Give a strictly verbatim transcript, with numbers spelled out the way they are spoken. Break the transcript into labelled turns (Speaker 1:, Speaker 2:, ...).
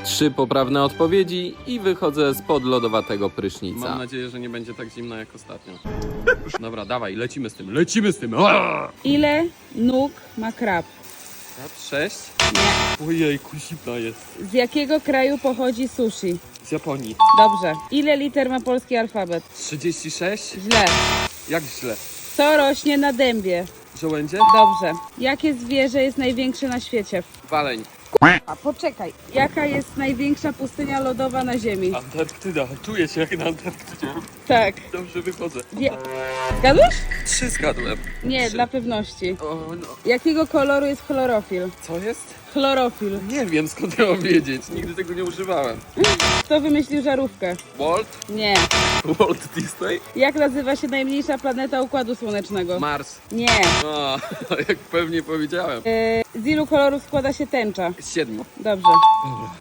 Speaker 1: Trzy poprawne odpowiedzi i wychodzę spod lodowatego prysznica.
Speaker 2: Mam nadzieję, że nie będzie tak zimno jak ostatnio. Dobra, dawaj, lecimy z tym, lecimy z tym. Aaaa!
Speaker 3: Ile nóg ma krab?
Speaker 2: Krab sześć?
Speaker 3: Nie.
Speaker 2: Ojejku, zimna jest.
Speaker 3: Z jakiego kraju pochodzi sushi?
Speaker 2: Z Japonii.
Speaker 3: Dobrze. Ile liter ma polski alfabet?
Speaker 2: trzydzieści sześć?
Speaker 3: Źle.
Speaker 2: Jak źle?
Speaker 3: Co rośnie na dębie?
Speaker 2: Żołędzie?
Speaker 3: Dobrze. Jakie zwierzę jest największe na świecie?
Speaker 2: Waleń.
Speaker 3: A poczekaj. Jaka jest największa pustynia lodowa na Ziemi?
Speaker 2: Antarktyda. Czuję się jak na Antarktydzie.
Speaker 3: Tak.
Speaker 2: Dobrze wychodzę.
Speaker 3: Wie... Zgadłeś?
Speaker 2: Trzy zgadłem.
Speaker 3: Nie,
Speaker 2: Trzy.
Speaker 3: dla pewności.
Speaker 2: O, no.
Speaker 3: Jakiego koloru jest chlorofil?
Speaker 2: Co jest?
Speaker 3: Chlorofil.
Speaker 2: Nie wiem, skąd ja mam wiedzieć. Nigdy tego nie używałem.
Speaker 3: Kto wymyślił żarówkę?
Speaker 2: Walt?
Speaker 3: Nie.
Speaker 2: Walt Disney?
Speaker 3: Jak nazywa się najmniejsza planeta Układu Słonecznego?
Speaker 2: Mars.
Speaker 3: Nie.
Speaker 2: O, jak pewnie powiedziałem.
Speaker 3: E, z ilu kolorów składa się tęcza?
Speaker 2: Z siedmiu.
Speaker 3: Dobrze.